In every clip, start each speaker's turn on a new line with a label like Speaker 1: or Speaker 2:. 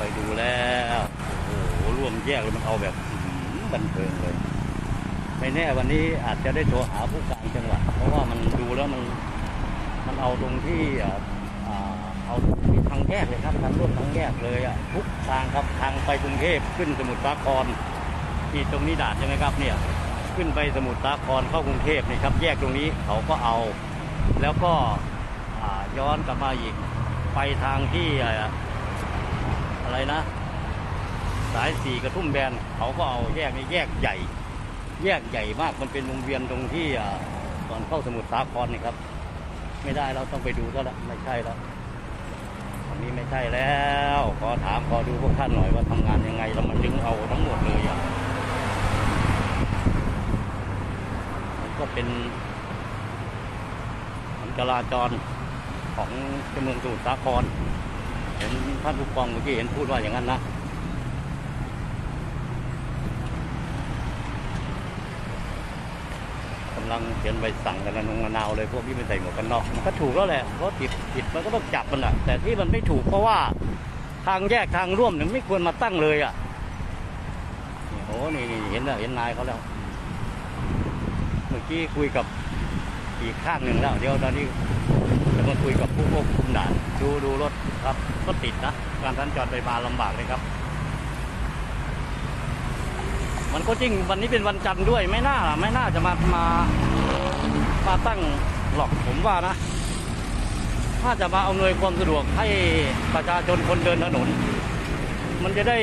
Speaker 1: ไปดูแล้วโอ้โหร่วมแยกเลยมันเอาแบบบันเทิงเลยไม่แน่วันนี้อาจจะได้โทรหาผู้การจังหวัดเพราะว่ามันดูแล้วมันเอาตรงที่เอาที่ทางแยกเลยครับทางร่วมทางแยกเลยทุกทางครับทางไปกรุงเทพขึ้นสมุทรสาครที่ตรงนี้ด่านใช่ไหมครับเนี่ยขึ้นไปสมุทรสาครเข้ากรุงเทพนี่ครับแยกตรงนี้เขาก็เอาแล้วก็ย้อนกลับมาอีกไปทางที่อะไรนะสาย4กระทุ่มแบนเขาก็เอาแยกนี้แยกใหญ่มากมันเป็นวงเวียนตรงที่ก่อนเข้าสมุทรสาครนี่ครับไม่ได้เราต้องไปดูแล้วละไม่ใช่แล้วอันนี้ไม่ใช่แล้วขอดูพวกท่านหน่อยว่าทำงานยังไงเรามันถึงเอาทั้งหมดเลยมันก็เป็นจราจรของเมืองสมุทรสาครเห็นท่านผู้กองเมื่อกี้เห็นพูดว่าอย่างนั้นนะกำลังเขียนใบสั่งกันระนงระนาวเลยพวกที่ไม่ใส่หมวกกันน็อกมันก็ถูกแล้วแหละเพราะผิดมันก็ต้องจับมันแหละแต่ที่มันไม่ถูกเพราะว่าทางแยกทางร่วมเนี่ยไม่ควรมาตั้งเลยโอ้นี่เห็นนายเขาแล้วเมื่อกี้คุยกับอีกข้างหนึ่งแล้วเดี๋ยวตอนนี้จะมาคุยกับผู้ควบคุมด่านดูรถครับก็ติดนะการสัญจรไปมาลำบากเลยครับมันก็จริงวันนี้เป็นวันจันทร์ด้วยไม่น่าจะมาตั้งหรอกผมว่านะถ้าจะมาอำนวยความสะดวกให้ประชาชนคนเดินถนนมันจะได้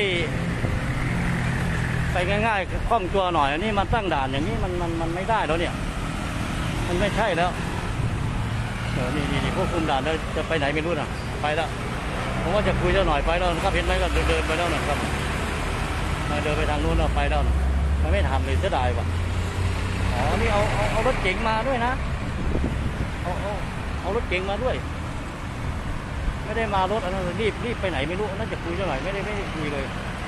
Speaker 1: ไปง่ายๆคล่องตัวหน่อยอันนี้มาตั้งด่านอย่างนี้มันไม่ได้แล้วเนี่ยมันไม่ใช่แล้วนี่ควบคุมด่านแล้วจะไปไหนไม่รู้นะไปแล้วผมว่าจะคุยเจ้าหน่อยไปแล้วครับเห็นไหมก็เดินไปแล้วนะครับเดินไปทางนู้นเราไปแล้วมันไม่ทำเลยเสียดายว่ะนี่เอารถเก๋งมาด้วยนะเอารถเก๋งมาด้วยไม่ได้มารถอันนั้นรีบไปไหนไม่รู้น่าจะคุยเจ้าหน่อยไม่ได้คุยเลย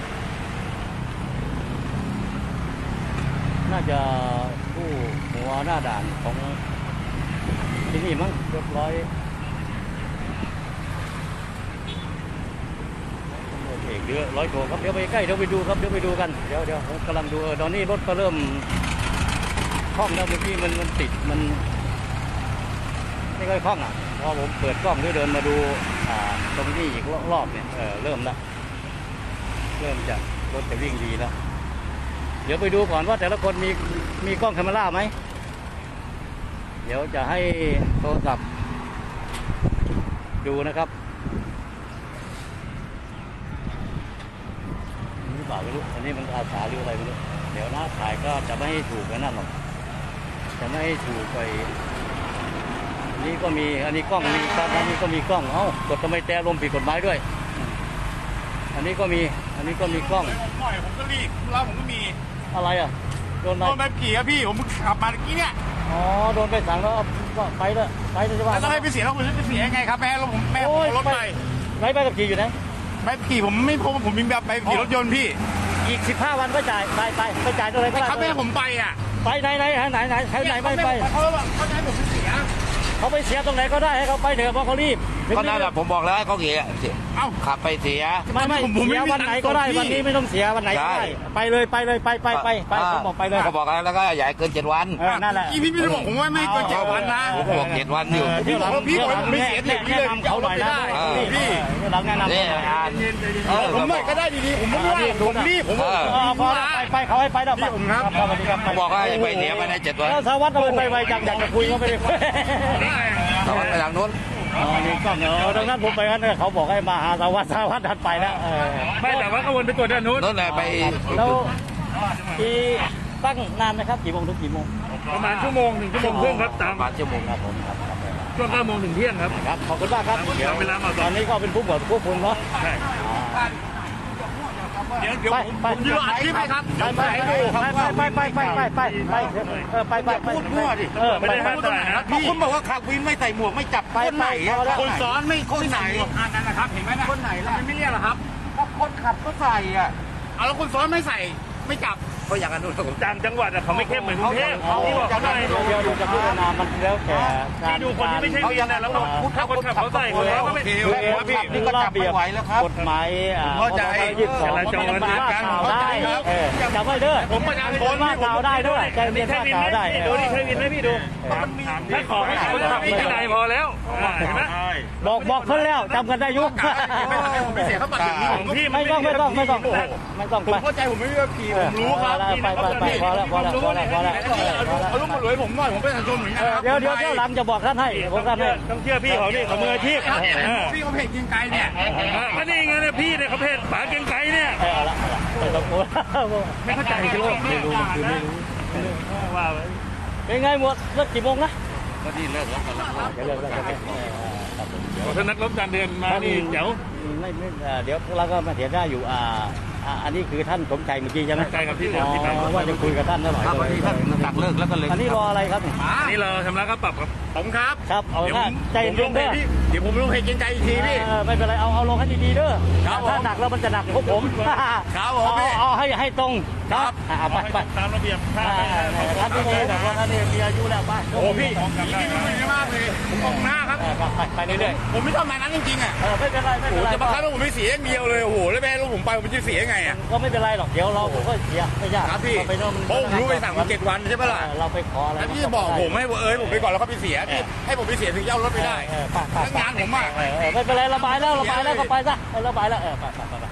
Speaker 1: น่าจะผู้หัวหน้าด่านของที่นี่มั้งเรียบร้อยเรือร้อยโถครับเดี๋ยวไปใกล้เดี๋ยวไปดูครับเดี๋ยวไปดูกันเดี๋ยวผมกำลังดูตอนนี้รถก็เริ่มคล่องแล้วเมื่อกี้มันติดมันไม่ค่อยคล่องพอผมเปิดกล้องด้วยเดินมาดูตรงนี้อีกรอบเนี่ยเริ่มจะรถจะวิ่งดีแล้วเดี๋ยวไปดูก่อนว่าแต่ละคนมีกล้องแคมเมราไหมเดี๋ยวจะให้โทรศัพท์ดูนะครับนี่เปล่าไม่รู้อันนี้มันอาสาหรืออะไรไม่รู้เดี๋ยวนะถ่ายก็จะไม่ให้ถูกนั่นหรอกจะไม่ให้ถูกไปนี่ก็มีอันนี้กล้องมีครับอันนี้ก็มีกล้องกดทำไมแต่ลมผิดกฎหมายด้วยอันนี้ก็มีกล้อง
Speaker 2: ผมก็รีบแล้วผมก็มี
Speaker 1: อะไรโดน
Speaker 2: ใบขี่ครับพี่ผมขับมาเมื่อกี้เนี่ย
Speaker 1: โดนไปสั่งแล้วก็ไปเลยใช่ไหม
Speaker 2: แล้วให้ไปเสียแล้วผมจะเสียยังไงครับแม่ผมรถไป
Speaker 1: ใบขับขี่อยู่ไหน
Speaker 2: ใบขี่ผมไม่พบผมมีแบบใบขี่รถยนต์พี่
Speaker 1: อีก15 วันก็จ่ายไปจ่ายเท่าไหร่ก็ได้
Speaker 2: ครับแม่ผมไป
Speaker 1: ไปไหนไม่ไป
Speaker 2: เขาจะให้ผมไปเสีย
Speaker 1: เขาไปเสียตรงไหนก็ได้ให้เขาไปเถอะเพราะเขารีบ
Speaker 3: ก็นั่นแหละผมบอกแล้วให้เขาเสียขับไปเสีย
Speaker 1: ไม่เสียวันไหนก็ได้วันนี้ไม่ต้องเสียวันไหนก็ได้ไปเลยไปผมบอกไปเลย
Speaker 3: เขาบอกแล้วก็อย่าเกิน7 วัน
Speaker 1: นั่นแหละ
Speaker 2: พี่ไม่ได้บอกผมว่าไม่เกิน7 วันนะ
Speaker 3: ผมบอก7 วันอยู่
Speaker 2: พี่บอกว่าพี่ไม่เสียถึงเลย
Speaker 1: เขาหน่อยนะพี่หลังแนะนำ
Speaker 2: ผมไม่ก็ได้ดีๆผมไม่ว่าผมรีบผม
Speaker 1: ไปเขาให้ไปแล้วไป
Speaker 3: เขาบอกว่าไปเสียภายใน7 วัน
Speaker 1: สารวัตรไปไวจังอยากจะคุยก็ไม่ได้
Speaker 3: สารวัตรไปทางนู้น
Speaker 1: นี่กล้องดังนั้นผมไปงั้นเขาบอกให้มาหาสารวัตรดันไปแล้ว
Speaker 2: ไม่แต่ว่าขบวนไปตัวด้านนู้น
Speaker 3: แหละไป
Speaker 1: แล้วที่ตั้งนานไหมครับกี่โมงถึงกี่โมง
Speaker 2: ประมาณ1 ชั่วโมงครึ่งครับ
Speaker 3: ประมาณ1 ชั่วโมง
Speaker 1: ครับผม
Speaker 2: ช่วง9 โมงถึงเที่ยงครับ
Speaker 1: ขอบคุณมากครับเดี๋ยวตอนนี้ก็เป็นผู้บริควบคุมเนาะ
Speaker 2: เดี๋ยวผมยืนอัดคลิปให้ครับ
Speaker 1: ไป
Speaker 2: พูดมั่วดิไม่ได้พูดตรงไหนครับพี่
Speaker 3: คุณบอกว่าขับวินไม่ใส่หมวกไม่จับ
Speaker 2: คนไหนคนซ้อนไม่คนไหนนั่นนะครับเห็นไหมนะ
Speaker 3: คนไหนล่ะ
Speaker 2: ไม่เรียกหรอครับ
Speaker 3: ก็คนขับก็ใส่
Speaker 2: เอาแล้วคนซ้อนไม่ใส่ไม่จับ
Speaker 3: เขาอย่างนั้นด้วยผม
Speaker 2: ต่างจังหวัดอะเขาไม่เข้มเหมือนกรุงเทพที่บอกเขาหน่อย
Speaker 1: เดี๋ยวดูจะพิจารณามันแล้วแต่การ
Speaker 2: ที่ดูคนที่ไม่ใช่วินนะแล้วถ้าคนขับเขาใส่คนแล้วก็ไม่
Speaker 3: โอ
Speaker 2: แล้
Speaker 3: เค
Speaker 2: วพี่
Speaker 1: นี่ก็จับไม่ไหวแล้วครับกฎหมายพศ22มันเป็นว่าข่าวได้จำไว้เด้อ
Speaker 2: ผมประชาชน
Speaker 1: ว่าข่าวได้ด้วยใจเย็น
Speaker 2: ใช่
Speaker 1: ว่า
Speaker 2: วิน
Speaker 1: ข่าว
Speaker 2: ไหม
Speaker 1: ได้
Speaker 2: ดูดิใช่วินไหมพี่ดูถ้าขอให้คนขับมีที่ไหนพอแล้วเห็นไหม
Speaker 1: บอกเพิ่นแล้วจำกันได้ยุค
Speaker 3: ผมไม่เสียค่าบัตรอย่างนี้
Speaker 2: ของพี่
Speaker 1: ไม่ต้องไป
Speaker 3: ผมเข้าใจผมไม่มีแบบขี่ผมรู้ครับ
Speaker 1: ไปพอแล้ว
Speaker 3: เอาลูกมาหลวยผมหน่อยผมเป็นประชาชนเหมือนกันครับ
Speaker 1: เดี๋ยวหลังจะบอกท่านให้ผมท่านให้
Speaker 2: ต้องเชื่อพี่เขานี่เขามืออาชีพ
Speaker 3: พี่เขาเพจยิงไกลเนี่ย
Speaker 2: ก็นี่ไงเนี่ยพี่เนี่ยเขาเพจป๋าเก่งไกเนี่ย
Speaker 1: เอาละไม่ต้องพูด
Speaker 2: ไม่เข้าใจใช่ไหมไม่รู้ว่า
Speaker 1: เป็นไงหมดเลิกกี่โมงนะ
Speaker 3: ก็นี่เลิกแล้วกันแล้ว
Speaker 1: จะเลิกแล้ว
Speaker 2: ถ้านักรบการเดินมานี่เดี๋ยว
Speaker 1: ไม่เดี๋ยวเราก็มาเถียงได้อยู่อันนี้คือท่านสมใจเมื่อกี้ใช่ไหม
Speaker 2: ใช่ครับที่
Speaker 1: อ๋อว่าจะคุยกับท่านหน่อย
Speaker 3: ครับวันนี้ท่านตักเลิกแล้วก็เลย
Speaker 1: อันนี้รออะไรครับ
Speaker 2: นี่เราชำระค่าปรับครับผมครับ
Speaker 1: ครับเอาหน้าใจเย็นๆเด้อ
Speaker 3: เดี๋ยวผมลงเพจยิงไกลอีกทีพี่
Speaker 1: ไม่เป็นไรเอาลงให้ดีๆเด้อ
Speaker 3: ครับผม
Speaker 1: ถ้าหนักแล้วมันจะหนักพวกผม
Speaker 3: ครับผมพี่
Speaker 1: เอาให้ตรงครับไป
Speaker 2: ตามระเบียบค่า
Speaker 1: ท่านที่ดีแต่ว่าท่านนี่มีอายุแล้วไป
Speaker 3: โอ้พี่พี่ไม่ดีมากเลยผมมองหน้าครับ
Speaker 1: ไปเรื่อย
Speaker 3: ผมไม่ทำงานนั้นจริงๆอ่ะ
Speaker 1: ๆไม่เป็นไร
Speaker 3: โอ้จะมาคับว่าผมไม่เสียอย่างเดียวเลยโอ้โหแล้วแม่ลูกผมไปผมจะเสียยังไงอ่ะ
Speaker 1: ก็ไม่เป็นไรหรอกเดี๋ยวเราก็เสียไม่ยาก
Speaker 3: ครับพี่
Speaker 1: ไปโน่น
Speaker 3: เพราะผมรู้ไปสั่งมา7 วันใช่ปะล่ะ
Speaker 1: เราไปขออะไร
Speaker 3: แล้วพี่จะบอกผมให้ผมไปก่อนแล้วเขาไปเสียพี่ให้ผมไปเสียถึงจะเอารถไปได้แล้วงานผมอ่ะ
Speaker 1: ไม่เป็นไรระบายแล้วก็ไปซะระบายแล้วไป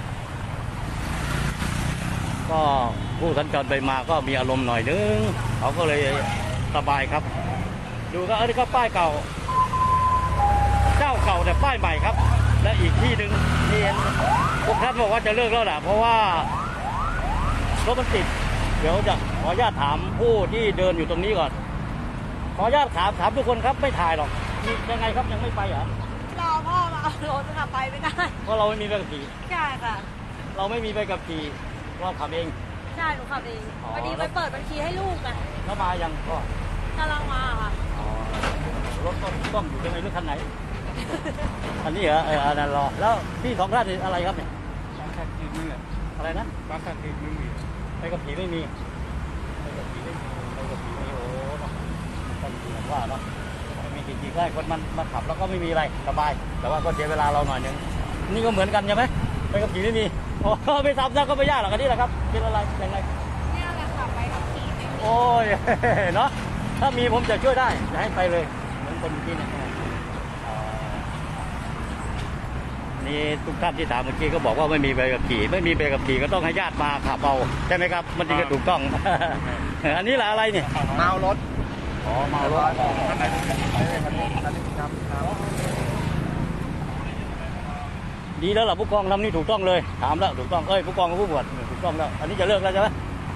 Speaker 1: ก็ผู้สัญจรไปมาก็มีอารมณ์หน่อยนึงเขาก็เลยสบายครับ ดูก็อันนี้ก็ป้ายเก่า เจ้าเก่าแต่ป้ายใหม่ครับ และอีกที่หนึ่งนี่พวกท่านบอกว่าจะเลิกแล้วแหละเพราะว่ารถมันติดเดี๋ยวจะขออนุญาตถามผู้ที่เดินอยู่ตรงนี้ก่อนขออนุญาตถามทุกคนครับไม่ถ่ายหรอกนี่ยังไงครับยังไม่ไปเหรอ
Speaker 4: รอพ่อมาเอารถค่ะไปไม่ได้
Speaker 1: เพราะเราไม่มีใบขับขี่
Speaker 4: ใช่ค่ะ
Speaker 1: เราไม่มีใบขับขี่เราขับเอง
Speaker 4: ใช่หนูขับเอง
Speaker 1: อ๋อ
Speaker 4: พอดีไปเปิดบัญชีให้ลูกอ่ะ
Speaker 1: แล้วมายังก็
Speaker 4: กำลังมาค่ะ
Speaker 1: รถต้อมอยู่ตรงไหนหรือคันไหน อันนี้เหรออันนั้นรอแล้วพี่สองท่านนี่อะไรครับเนี่ยอะไรนะ
Speaker 2: ปากสันติไม่มี
Speaker 1: ใบขับขี่ไม่มีใบขับขี่ไม่มีโอ้ต้องแบบว่าเนาะไม่มีขี่ได้คนมันมาขับแล้วก็ไม่มีอะไรสบาย แต่ว่าก็เสียเวลาเราหน่อยนึงนี่ก็เหมือนกันใช่ไหมใบขับขี่ไม่มีโอ้ไม่ทำซะก็ไม่ยากหรอกอันนี้แหละครับเป็นอะไรยังไง
Speaker 4: เนี่ยแหละค่ะไปขับขี่ไม่มี
Speaker 1: โอ้ย เนาะถ้ามีผมจะช่วยได้จะให้ไปเลยเหมือนคนเมื่อกี้เนี่ยนี่ทุกท่านที่ถามเมื่อกี้ก็บอกว่าไม่มีใบขับขี่ไม่มีใบขับขี่ก็ต้องให้ญาติมาขับเอาใช่ไหมครับมันจึงจะถูกต้อง อันนี้แหละอะไรเนี่ย
Speaker 3: เมารถ
Speaker 1: อ๋อเมารถดีแล้วล่ะผู้กองทำนี่ถูกต้องเลยถามแล้วถูกต้องผู้กองกับผู้บวชถูกต้องแล้วอันนี้จะเลิกแล้วใช่ไหม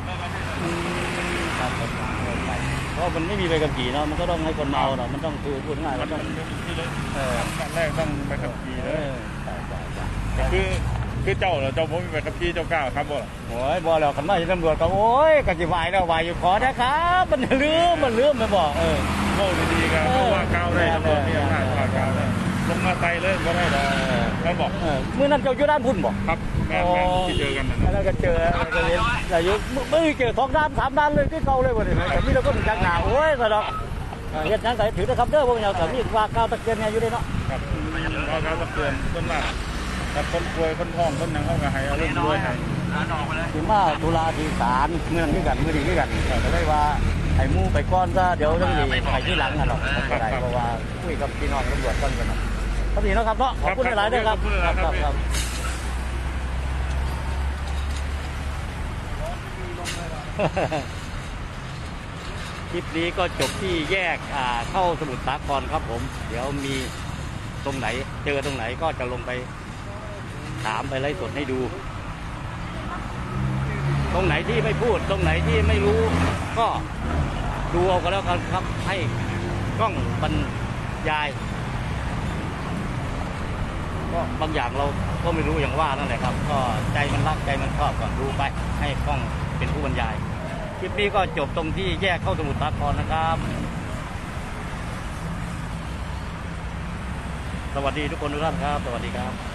Speaker 1: ครับเพราะมันไม่มีใบขับขี่เนาะมันก็ต้องให้คนเมาเนาะมันต้องคือพูดง่ายมันต้อง
Speaker 2: ขั้นแรกต้องไปขับขี่เลย
Speaker 1: ใช่
Speaker 2: คือเจ้าเหรอเจ้าผมไปขับขี่เจ้ากล้าครับบ่
Speaker 1: โอ้ยบอกแล้วขันมาจะตำรวจก็โอ้ยกันจิวายแล้ววายอยู่ขอนะครับมันลืมไม่บอก
Speaker 2: โง่ดีๆกันเพราะว่าก้าวได้ตำรวจนี่ผ่านก้าวได้ลงมาไตเลยก็ได้แล้วบอก
Speaker 1: เมื่อนั้นเจ้าอยู่ด้านพุ่นบอก
Speaker 2: ครับแม่ที่เจอกันนั่น
Speaker 1: แล้วก็เจอแต่อยู่ไม่เจอ2 ด้าน 3 ด้านเลยที่เขาเลยวันนี้แต่นี่เราก็ถึงจังหนาโอ้ยสะดอกเฮ็ดยังไงถือนะครับเด้อพวกเราแต่นี่ว่าก้าวตะเกียนเนี่ยอยู่เลยเนาะ
Speaker 2: ครับเราตะเกียนต้นมากแต่คนป่วยคนท้องคนนั่งเข้ากับให้เอาเรื่องด้วยให้
Speaker 1: ถึงมาตุลาที่ศาลเมืองด้วยกันเมื่อดีด้วยกันก็เลยว่าไอ้มู่ไปก้อนซะเดี๋ยวต้องดีไปที่หลังกันหรอกไม่ได้เพราะว่าคุยกับพี่น้องตำรวจก้อนกันเนาะพอดีนะครับเนาะขอบคุณหลายๆด้วยครับครับ คลิปนี้ก็จบที่แยกเข้าสมุทรสาครครับผมเดี๋ยวมีตรงไหนเจอตรงไหนก็จะลงไปถามไปไล่สดให้ดู ตรงไหนที่ไม่พูดตรงไหนที่ไม่รู้ก็ดูเอาก็แล้วกันครับให้กล้องบรรยายก็บางอย่างเราก็ไม่รู้อย่างว่านั่นแหละครับก็ใจมันรักใจมันชอบก็ดูไปให้กล้องเป็นผู้บรรยายคลิปนี้ก็จบตรงที่แยกเข้าสมุทรสาครนะครับ สวัสดีทุกคนทุกท่านครับสวัสดีครับ